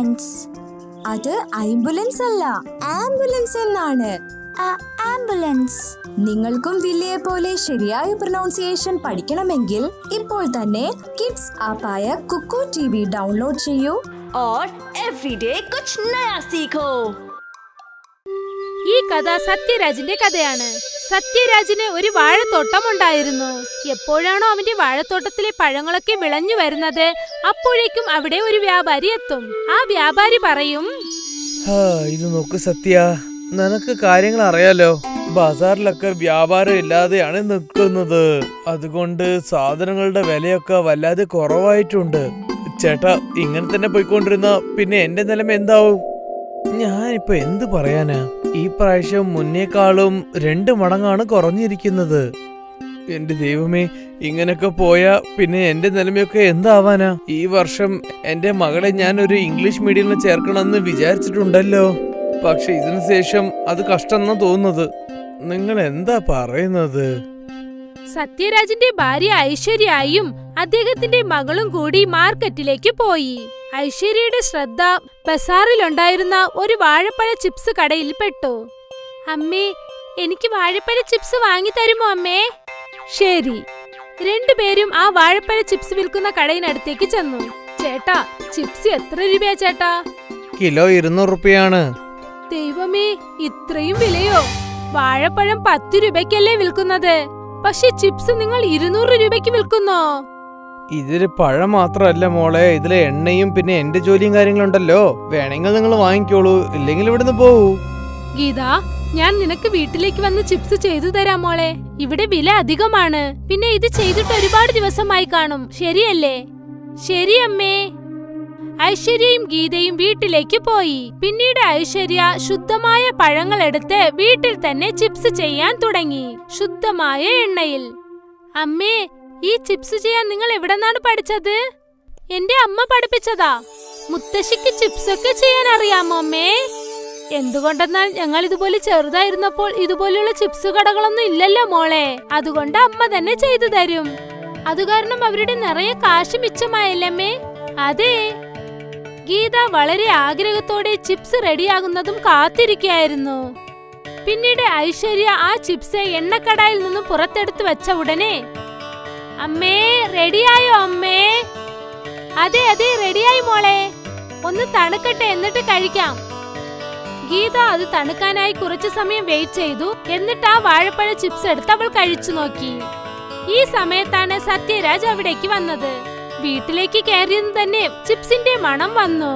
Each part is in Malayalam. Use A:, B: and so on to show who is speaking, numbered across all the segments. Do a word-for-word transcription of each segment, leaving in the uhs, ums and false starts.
A: ആംബുലൻസ്.
B: അത് ആംബുലൻസ് അല്ല, ആംബുലൻസ് എന്നാണ്.
A: ആംബുലൻസ്.
B: നിങ്ങൾക്കും വില്ലിയെ പോലെ ശരിയായ പ്രൊനൗൺസിയേഷൻ പഠിക്കണമെങ്കിൽ ഇപ്പോൾ തന്നെ കിഡ്സ് ആപ്പായ കുക്കു ടി വി ഡൗൺലോഡ് ചെയ്യൂ.
C: और एवरीडे कुछ नया सीखो.
D: ഈ കഥ സത്യരാജിന്റെ കഥയാണ്. സത്യരാജിന് ഒരു വാഴത്തോട്ടം ഉണ്ടായിരുന്നു. എപ്പോഴാണോ അവന്റെ വാഴത്തോട്ടത്തിലെ പഴങ്ങളൊക്കെ വിളഞ്ഞു വരുന്നത്, അപ്പോഴേക്കും അവിടെ ഒരു വ്യാപാരി എത്തും. ആ വ്യാപാരി പറയും,
E: ഇത് നോക്ക് സത്യ, നിനക്ക് കാര്യങ്ങൾ അറിയാലോ, ബസാറിലൊക്കെ വ്യാപാരം ഇല്ലാതെയാണ് നിൽക്കുന്നത്. അതുകൊണ്ട് സാധനങ്ങളുടെ വിലയൊക്കെ വല്ലാതെ കുറവായിട്ടുണ്ട്. ചേട്ടാ, ഇങ്ങനെ തന്നെ പോയിക്കൊണ്ടിരുന്ന പിന്നെ എന്റെ നിലം എന്താവും? ഞാനിപ്പോ എന്ത് പറയാനാ? ഈ പ്രാവശ്യം മുന്നേക്കാളും രണ്ട് മടങ്ങാണ് കുറഞ്ഞിരിക്കുന്നത്. എന്റെ ദൈവമേ, ഇങ്ങനൊക്കെ പോയാ പിന്നെ എന്റെ നിലമയൊക്കെ എന്താവാനാ? ഈ വർഷം എന്റെ മകളെ ഞാൻ ഒരു ഇംഗ്ലീഷ് മീഡിയത്തിൽ ചേർക്കണമെന്ന് വിചാരിച്ചിട്ടുണ്ടല്ലോ. പക്ഷെ ഇതിനു ശേഷം അത് കഷ്ടമെന്നാ തോന്നുന്നത്. നിങ്ങൾ എന്താ പറയുന്നത്?
D: സത്യരാജിന്റെ ഭാര്യ ഐശ്വര്യയും അദ്ദേഹത്തിന്റെ മകളും കൂടി മാർക്കറ്റിലേക്ക് പോയി. ഐശ്വര്യയുടെ ശ്രദ്ധ ബസാറിലുണ്ടായിരുന്ന ഒരു വാഴപ്പഴ ചിപ്സ് കടയിൽ പെട്ടു. അമ്മേ, എനിക്ക് വാഴപ്പഴ ചിപ്സ് വാങ്ങി തരുമോ അമ്മേ? ശരി. രണ്ടുപേരും ആ വാഴപ്പഴ ചിപ്സ് വിൽക്കുന്ന കടയിനടുത്തേക്ക് ചെന്നു. ചേട്ടാ, ചിപ്സ് എത്ര രൂപയാ ചേട്ടാ?
E: കിലോ ഇരുന്നൂറ് റുപ്യാണ്.
D: ദൈവമേ, ഇത്രയും വിലയോ? വാഴപ്പഴം പത്ത് രൂപയ്ക്കല്ലേ വിൽക്കുന്നത്, പക്ഷെ ചിപ്സ് നിങ്ങൾ ഇരുന്നൂറ് രൂപയ്ക്ക് വിൽക്കുന്നോ?
E: ഇതില് പഴം മാത്രല്ല മോളെ, ഇതിലെ എണ്ണയും പിന്നെ എന്റെ ജോലിയും കാര്യങ്ങളുണ്ടല്ലോ. വേണമെങ്കിൽ നിങ്ങൾ വാങ്ങിക്കോളൂ, ഇല്ലെങ്കിൽ ഇവിടുന്ന് പോവൂ.
D: ഗീത, ഞാൻ നിനക്ക് വീട്ടിലേക്ക് വന്ന് ചിപ്സ് ചെയ്തു തരാം മോളെ. ഇവിടെ വില അധികമാണ്. പിന്നെ ഇത് ചെയ്തിട്ട് ഒരുപാട് ദിവസമായി കാണും, ശരിയല്ലേ? ശരി അമ്മേ. ഐശ്വര്യയും ഗീതയും വീട്ടിലേക്ക് പോയി. പിന്നീട് ഐശ്വര്യ ശുദ്ധമായ പഴങ്ങൾ എടുത്ത് വീട്ടിൽ തന്നെ ചിപ്സ് ചെയ്യാൻ തുടങ്ങി, ശുദ്ധമായ എണ്ണയിൽ. അമ്മേ, ഈ ചിപ്സ് ചെയ്യാൻ നിങ്ങൾ എവിടെന്നാണ് പഠിച്ചത്? എന്റെ അമ്മ പഠിപ്പിച്ചതാ. മുത്തശ്ശിക്ക് ചിപ്സ് ഒക്കെ ചെയ്യാൻ അറിയാമോ അമ്മേ? എന്തുകൊണ്ടെന്നാൽ ഞങ്ങൾ ഇതുപോലെ ചെറുതായിരുന്നപ്പോൾ ഇതുപോലെയുള്ള ചിപ്സ് കടകളൊന്നും ഇല്ലല്ലോ മോളെ. അതുകൊണ്ട് അമ്മ തന്നെ ചെയ്തു തരും. അതുകാരണം അവരുടെ നിറയെ കാശ് മിച്ചമായല്ലേ? അതെ. ഗീത വളരെ ആഗ്രഹത്തോടെ ചിപ്സ് റെഡിയാകുന്നതും കാത്തിരിക്കുകയായിരുന്നു. പിന്നീട് ഐശ്വര്യ ആ ചിപ്സ് എണ്ണക്കടായിൽ നിന്നും പുറത്തെടുത്ത് വെച്ച ഉടനെ, അമ്മേ, റെഡിയായോ അമ്മേ? അതെ അതെ, റെഡിയായി മോളെ. ഒന്ന് തണുക്കട്ടെ, എന്നിട്ട് കഴിക്കാം. ഗീത അത് തണുക്കാനായി കുറച്ചു സമയം വെയിറ്റ് ചെയ്തു. എന്നിട്ട് ആ വാഴപ്പഴ ചിപ്സ് എടുത്ത് അവൾ കഴിച്ചു നോക്കി. ഈ സമയത്താണ് സത്യരാജ് അവിടേക്ക് വന്നത്. വീട്ടിലേക്ക് കയറിയെന്ന് തന്നെ ചിപ്സിന്റെ മണം വന്നു.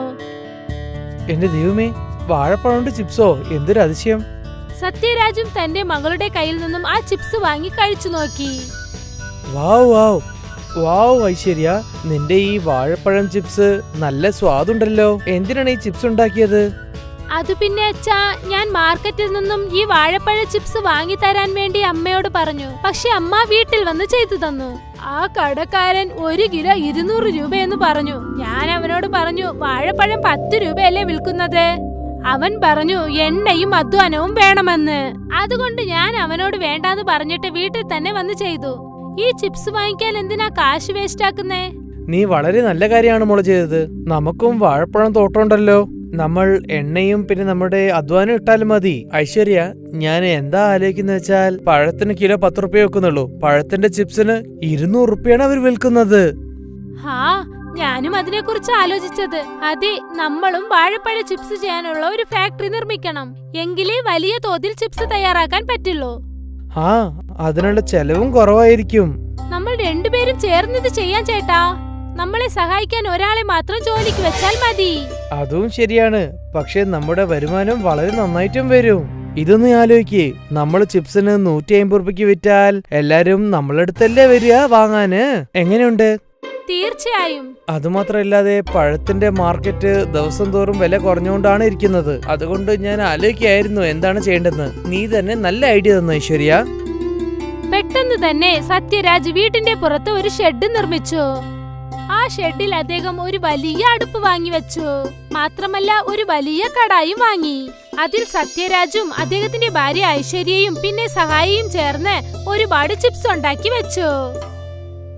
E: എന്റെ ദൈവമേ, വാഴപ്പഴം ചിപ്സോ, എന്തൊരു അതിശയം!
D: സത്യരാജും തന്റെ മകളുടെ കയ്യിൽ നിന്നും ആ ചിപ്സ് വാങ്ങി കഴിച്ചു നോക്കി.
E: വാവ് വാവ് വാവ് ഐശ്വര്യ, നിന്റെ ഈ വാഴപ്പഴം ചിപ്സ് നല്ല സ്വാദുണ്ടല്ലോ. എന്തിനാണ് ഈ ചിപ്സ് ഉണ്ടാക്കിയത്?
D: അത് പിന്നെ അച്ഛാ, ഞാൻ മാർക്കറ്റിൽ നിന്നും ഈ വാഴപ്പഴ ചിപ്സ് വാങ്ങി തരാൻ വേണ്ടി അമ്മയോട് പറഞ്ഞു. പക്ഷെ അമ്മ വീട്ടിൽ വന്ന് ചെയ്തു തന്നു. ആ കടക്കാരൻ ഒരു കിലോ ഇരുന്നൂറ് രൂപയെന്ന് പറഞ്ഞു. ഞാൻ അവനോട് പറഞ്ഞു, വാഴപ്പഴം പത്ത് രൂപയല്ലേ വിൽക്കുന്നത്? അവൻ പറഞ്ഞു, എണ്ണയും അധ്വാനവും വേണമെന്ന്. അതുകൊണ്ട് ഞാൻ അവനോട് വേണ്ടാന്ന് പറഞ്ഞിട്ട് വീട്ടിൽ തന്നെ വന്ന് ചെയ്തു. ഈ ചിപ്സ് വാങ്ങിക്കാൻ എന്തിനാ കാശ് വേസ്റ്റ് ആക്കുന്നേ?
E: നീ വളരെ നല്ല കാര്യമാണ് മോള് ചെയ്തത്. നമുക്കും വാഴപ്പഴം തോട്ടമുണ്ടല്ലോ. നമ്മൾ എണ്ണയും പിന്നെ നമ്മുടെ അധ്വാനം ഇട്ടാലും മതി. ഐശ്വര്യ, ഞാൻ എന്താ ആലോചിക്കുന്ന വെച്ചാൽ, പഴത്തിന് കിലോ പത്ത് റുപ്യ വെക്കുന്നുള്ളൂ, പഴത്തിന്റെ ചിപ്സിന് ഇരുന്നൂറ് റുപ്യാണ് അവർ വിൽക്കുന്നത്.
D: ഹാ, ഞാനും അതിനെ കുറിച്ച് ആലോചിച്ചത്. അതെ, നമ്മളും വാഴപ്പഴ ചിപ്സ് ചെയ്യാനുള്ള ഒരു ഫാക്ടറി നിർമ്മിക്കണം. എങ്കിലേ വലിയ തോതിൽ ചിപ്സ് തയ്യാറാക്കാൻ പറ്റുള്ളൂ.
E: ആ, അതിനുള്ള ചെലവും കുറവായിരിക്കും.
D: നമ്മൾ രണ്ടുപേരും ചേർന്നിത് ചെയ്യാൻ ചേട്ടാ. നമ്മളെ സഹായിക്കാൻ ഒരാളെ മാത്രം ജോലിക്ക് വെച്ചാൽ മതി.
E: അതും ശരിയാണ്, പക്ഷെ നമ്മുടെ വരുമാനം വളരെ നന്നായിട്ടും വരും. ഇതൊന്ന് ആലോചിക്കേ, നമ്മൾ ചിപ്സിന് നൂറ്റി അമ്പത് റുപ്യക്ക് വിറ്റാൽ എല്ലാരും നമ്മളടുത്തല്ലേ വരിക വാങ്ങാന്. എങ്ങനെയുണ്ട്?
D: തീർച്ചയായും.
E: അതുമാത്രമല്ലാതെ പഴത്തിന്റെ മാർക്കറ്റ് ദിവസം തോറും വില കുറഞ്ഞുകൊണ്ടാണ് ഇരിക്കുന്നത്. അതുകൊണ്ട് ഞാൻ ആലോചിക്കായിരുന്നു എന്താണ് ചെയ്യേണ്ടതെന്ന്. നീ തന്നെ നല്ല ഐഡിയ തന്നു ഐശ്വര്യ.
D: പെട്ടെന്ന് തന്നെ സത്യരാജ് വീട്ടിന്റെ പുറത്ത് ഒരു ഷെഡ് നിർമ്മിച്ചു. ആ ഷെഡിൽ അദ്ദേഹം ഒരു വലിയ അടുപ്പ് വാങ്ങി വെച്ചു. മാത്രമല്ല ഒരു വലിയ കടായും വാങ്ങി. അതിൽ സത്യരാജും അദ്ദേഹത്തിന്റെ ഭാര്യ ഐശ്വര്യയും പിന്നെ സഹായിയും ചേർന്ന് ഒരുപാട് ചിപ്സ് ഉണ്ടാക്കി വെച്ചു.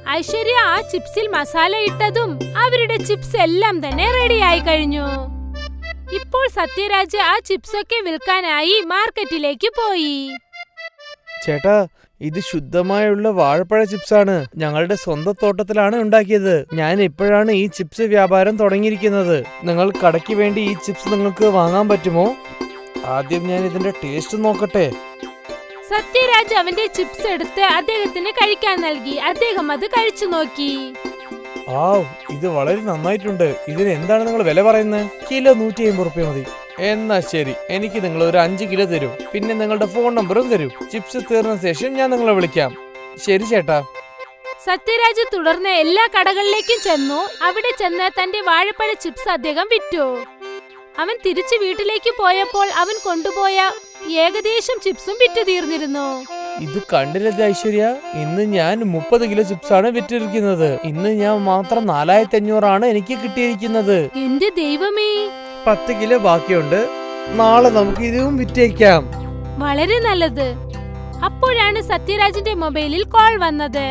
D: ഐശ്വര്യ ആ ചിപ്സിൽ മസാല ഇട്ടതും അവരുടെ ചിപ്സ് എല്ലാം തന്നെ റെഡിയായി കഴിഞ്ഞു. ഇപ്പോൾ സത്യരാജ് ആ ചിപ്സ് ഒക്കെ വിൽക്കാനായി മാർക്കറ്റിലേക്ക് പോയി.
E: ചേട്ടാ, ഇത് ശുദ്ധമായുള്ള വാഴപ്പഴ ചിപ്സാണ്. ഞങ്ങളുടെ സ്വന്തം തോട്ടത്തിലാണ് ഉണ്ടാക്കിയത്. ഞാൻ ഇപ്പോഴാണ് ഈ ചിപ്സ് വ്യാപാരം തുടങ്ങിയിരിക്കുന്നത്. നിങ്ങൾ കടയ്ക്ക് വേണ്ടി ഈ ചിപ്സ് നിങ്ങൾക്ക് വാങ്ങാൻ പറ്റുമോ? ആദ്യം ഞാൻ ഇതിന്റെ ടേസ്റ്റ് നോക്കട്ടെ.
D: സത്യരാജ് അവന്റെ ചിപ്സ് എടുത്ത് അദ്ദേഹത്തിന് കഴിക്കാൻ നൽകി. അദ്ദേഹം അത് കഴിച്ചു നോക്കി.
E: ആ, ഇത് വളരെ നന്നായിട്ടുണ്ട്. ഇതിന് എന്താണ് നിങ്ങൾ വില പറയുന്നത്? കിലോ നൂറ്റി അമ്പത് റുപ്യ മതി. എന്നാ ശരി, എനിക്ക് നിങ്ങൾ ഒരു അഞ്ച് കിലോ തരൂ. പിന്നെ നിങ്ങളുടെ ഫോൺ നമ്പറും തരൂ. ചിപ്സ് തീർന്ന ശേഷം ഞാൻ നിങ്ങളെ വിളിക്കാം. ശരി ചേട്ടാ.
D: സത്യരാജ് തുടർന്ന് എല്ലാ കടകളിലേക്കും ചെന്നു. അവിടെ ചെന്ന് തന്റെ വാഴപ്പഴ ചിപ്സ് അദ്ദേഹം വിറ്റു. അവൻ തിരിച്ചു വീട്ടിലേക്ക് പോയപ്പോൾ അവൻ കൊണ്ടുപോയ ഏകദേശം ചിപ്സും വിറ്റു തീർന്നിരുന്നു.
E: ഇത് കണ്ടില്ലേ ഐശ്വര്യ, ഇന്ന് ഞാൻ മുപ്പത് കിലോ ചിപ്സ് ആണ് വിറ്റിരിക്കുന്നത്. ഇന്ന് ഞാൻ മാത്രം നാലായിരത്തി അഞ്ഞൂറാണ് എനിക്ക് കിട്ടിയിരിക്കുന്നത്.
D: എന്റെ ദൈവമേ,
E: പത്ത് കിലോ ബാക്കിയുണ്ട്. നാളെ നമുക്ക് ഇതും വിറ്റേക്കാം.
D: വളരെ നല്ലത്. അപ്പോഴാണ് സത്യരാജിന്റെ മൊബൈലിൽ കോൾ വന്നത്.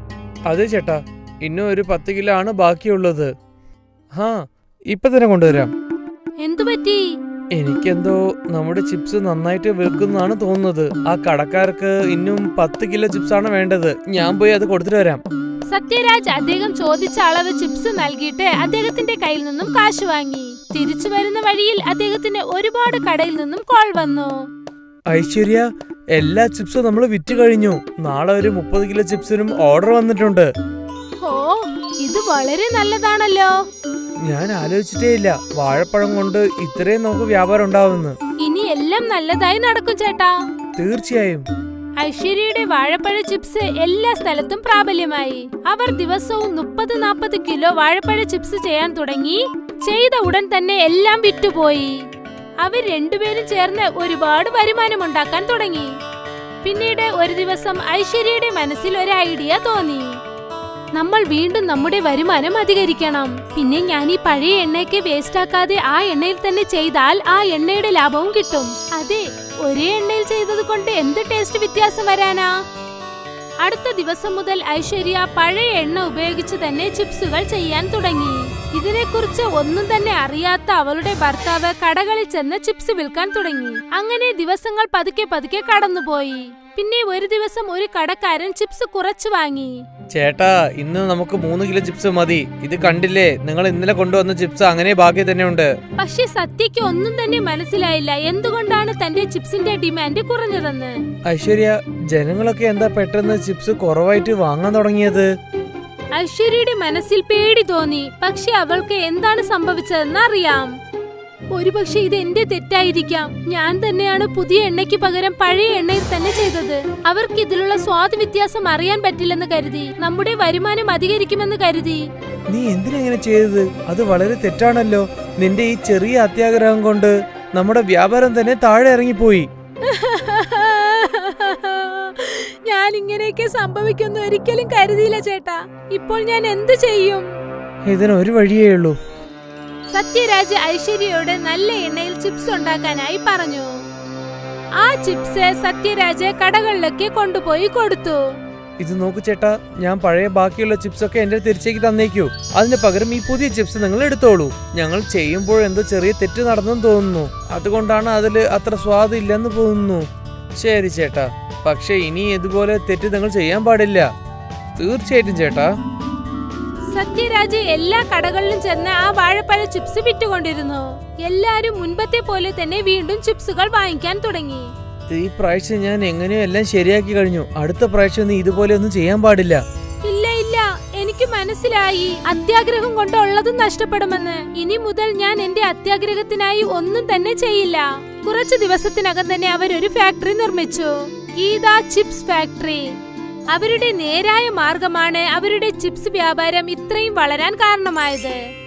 E: അതെ ചേട്ടാ, ഇന്നും ഒരു പത്ത് കിലോ ആണ് ബാക്കിയുള്ളത്. ഹാ, ഇപ്പൊ തന്നെ കൊണ്ടുവരാം.
D: എന്തുപറ്റി?
E: എനിക്കെന്തോ നമ്മുടെ ചിപ്സ് നന്നായിട്ട് വിൽക്കുന്നതാണ് തോന്നുന്നത്. ആ കടക്കാർക്ക് ഇന്നും പത്ത് കിലോ ചിപ്സ് ആണ് വേണ്ടത്. ഞാൻ പോയി അത് കൊടുത്തിട്ട് വരാം.
D: സത്യരാജ് അദ്ദേഹം ചോദിച്ച അളവ് ചിപ്സ് നൽകിയിട്ട് അദ്ദേഹത്തിന്റെ കയ്യിൽ നിന്നും കാശ് വാങ്ങി. തിരിച്ചു വരുന്ന വഴിയിൽ അദ്ദേഹത്തിന് ഒരുപാട് കടയിൽ നിന്നും കോൾ വന്നു.
E: ഐശ്വര്യ, എല്ലാ ചിപ്സും നമ്മൾ വിറ്റ് കഴിഞ്ഞു. നാളെ ഒരു മുപ്പത് കിലോ ചിപ്സിനും ഓർഡർ വന്നിട്ടുണ്ട്.
D: ഓ, ഇത് വളരെ നല്ലതാണല്ലോ.
E: ഞാൻ ആലോചിച്ചിട്ടേ ഇല്ല വാഴപ്പഴം കൊണ്ട് ഇത്രയും നമുക്ക് വ്യാപാരം ഉണ്ടാവുമെന്ന്.
D: ഇനി എല്ലാം നല്ലതായി നടക്കും ചേട്ടാ.
E: തീർച്ചയായും.
D: ഐശ്വര്യയുടെ വാഴപ്പഴ ചിപ്സ് എല്ലാ സ്ഥലത്തും പ്രാബല്യമായി. അവർ ദിവസവും മുപ്പത് നാപ്പത് കിലോ വാഴപ്പഴ ചിപ്സ് ചെയ്യാൻ തുടങ്ങി. ചെയ്ത ഉടൻ തന്നെ എല്ലാം വിറ്റുപോയി. അവർ രണ്ടുപേരും ചേർന്ന് ഒരുപാട് വരുമാനം ഉണ്ടാക്കാൻ തുടങ്ങി. പിന്നീട് ഒരു ദിവസം ഐശ്വര്യയുടെ മനസ്സിൽ ഒരു ഐഡിയ തോന്നി. നമ്മൾ വീണ്ടും നമ്മുടെ വരുമാനം അധികരിക്കണം. പിന്നെ ഞാൻ ഈ പഴയ എണ്ണയൊക്കെ വേസ്റ്റ് ആക്കാതെ ആ എണ്ണയിൽ തന്നെ ചെയ്താൽ ആ എണ്ണയുടെ ലാഭവും കിട്ടും. അതെ, ഒരേ എണ്ണയിൽ ചെയ്തത് കൊണ്ട് എന്ത് ടേസ്റ്റ് വ്യത്യാസം വരാനാ? അടുത്ത ദിവസം മുതൽ ഐശ്വര്യ പഴയ എണ്ണ ഉപയോഗിച്ച് തന്നെ ചിപ്സുകൾ ചെയ്യാൻ തുടങ്ങി. ഇതിനെക്കുറിച്ച് ഒന്നും തന്നെ അറിയാത്ത അവളുടെ ഭർത്താവ് കടകളിൽ ചെന്ന് ചിപ്സ് വിൽക്കാൻ തുടങ്ങി. അങ്ങനെ ദിവസങ്ങൾ പതുക്കെ പതുക്കെ കടന്നുപോയി. പിന്നെ ഒരു ദിവസം ഒരു കടക്കാരൻ ചിപ്സ് കുറച്ചു വാങ്ങി.
E: ചേട്ടാ, ഇന്ന് നമുക്ക് മൂന്ന് കിലോ ചിപ്സ് മതി. ഇത് കണ്ടില്ലേ, നിങ്ങൾ ഇന്നലെ കൊണ്ടുവന്ന ചിപ്സ് അങ്ങനെ ബാക്കി തന്നെ ഉണ്ട്.
D: പക്ഷെ സത്യക്ക് ഒന്നും തന്നെ മനസ്സിലായില്ല എന്തുകൊണ്ടാണ് തന്റെ ചിപ്സിന്റെ ഡിമാൻഡ് കുറഞ്ഞതെന്ന്.
E: ഐശ്വര്യ, ജനങ്ങളൊക്കെ എന്താ പെട്ടെന്ന് ചിപ്സ് കുറവായിട്ട് വാങ്ങാൻ തുടങ്ങിയത്?
D: ഐശ്വര്യയുടെ മനസ്സിൽ പേടി തോന്നി. പക്ഷെ അവൾക്ക് എന്താണ് സംഭവിച്ചതെന്ന് അറിയാം. ഒരുപക്ഷെ ഇത് എന്റെ തെറ്റായിരിക്കാം. ഞാൻ തന്നെയാണ് പുതിയ എണ്ണയ്ക്ക് പകരം പഴയ എണ്ണയിൽ തന്നെ ചെയ്തത്. അവർക്ക് ഇതിലുള്ള സ്വാദ് വ്യത്യാസം അറിയാൻ പറ്റില്ലെന്ന് കരുതി. നമ്മുടെ വരുമാനം അധികരിക്കുമെന്ന് കരുതി.
E: നീ എന്തിനെങ്ങനെ ചെയ്തത്? അത് വളരെ തെറ്റാണല്ലോ. നിന്റെ ഈ ചെറിയ അത്യാഗ്രഹം കൊണ്ട് നമ്മുടെ വ്യാപാരം തന്നെ താഴെ ഇറങ്ങിപ്പോയി.
D: ഞാൻ ഇങ്ങനെയൊക്കെ സംഭവിക്കുന്നു ഒരിക്കലും കരുതിയില്ല ചേട്ടാ. ഇപ്പോൾ ഞാൻ എന്ത് ചെയ്യും?
E: ഇതിനൊരു വഴിയേ ഉള്ളൂ.
D: സത്യരാജ് ഐശ്വര്യയോട് നല്ല എണ്ണയിൽ ചിപ്സ് ഉണ്ടാക്കാനായി പറഞ്ഞു. ആ ചിപ്സ് സത്യരാജ് കടകളിലൊക്കെ കൊണ്ടുപോയി കൊടുത്തു.
E: ഇത് നോക്കൂ ചേട്ടാ, ഞാൻ പഴയ ബാക്കിയുള്ള ചിപ്സ് ഒക്കെ എന്റെ തിരിച്ചേക്ക് തന്നേക്കൂ. അതിന് പകരം ഈ പുതിയ ചിപ്സ് നിങ്ങൾ എടുത്തോളൂ. ഞങ്ങൾ ചെയ്യുമ്പോൾ എന്തോ ചെറിയ തെറ്റ് നടന്നെന്ന് തോന്നുന്നു. അതുകൊണ്ടാണ് അതിൽ അത്ര സ്വാദ് ഇല്ലെന്ന് തോന്നുന്നു. ശരി ചേട്ടാ, പക്ഷെ ഇനി ഇതുപോലെ തെറ്റ് നിങ്ങൾ ചെയ്യാൻ പാടില്ല. തീർച്ചയായിട്ടും ചേട്ടാ.
D: സത്യരാജ് എല്ലാ കടകളിലും ചെന്ന് ആ വാഴപ്പഴ ചിപ്സ് വിറ്റുകൊണ്ടിരുന്നു. എല്ലാരും മുൻപത്തെ പോലെ തന്നെ വീണ്ടും ചിപ്സുകൾ വാങ്ങിക്കാൻ തുടങ്ങി.
E: ഈ പ്രാവശ്യം ഞാൻ എങ്ങനെയോ എല്ലാം ശരിയാക്കി കഴിഞ്ഞു. അടുത്ത പ്രാവശ്യം നീ ഇതുപോലെ ഒന്നും ചെയ്യാൻ പാടില്ല.
D: ഇല്ല ഇല്ല, എനിക്ക് മനസ്സിലായി അത്യാഗ്രഹം കൊണ്ടുള്ളതും നഷ്ടപ്പെടുമെന്ന്. ഇനി മുതൽ ഞാൻ എന്റെ അത്യാഗ്രഹത്തിനായി ഒന്നും തന്നെ ചെയ്യില്ല. കുറച്ചു ദിവസത്തിനകം തന്നെ അവരൊരു ഫാക്ടറി നിർമ്മിച്ചു, ഗീത ചിപ്സ് ഫാക്ടറി. അവരുടെ നേരായ മാർഗമാണ് അവരുടെ ചിപ്സ് വ്യാപാരം ഇത്രയും വളരാൻ കാരണമായത്.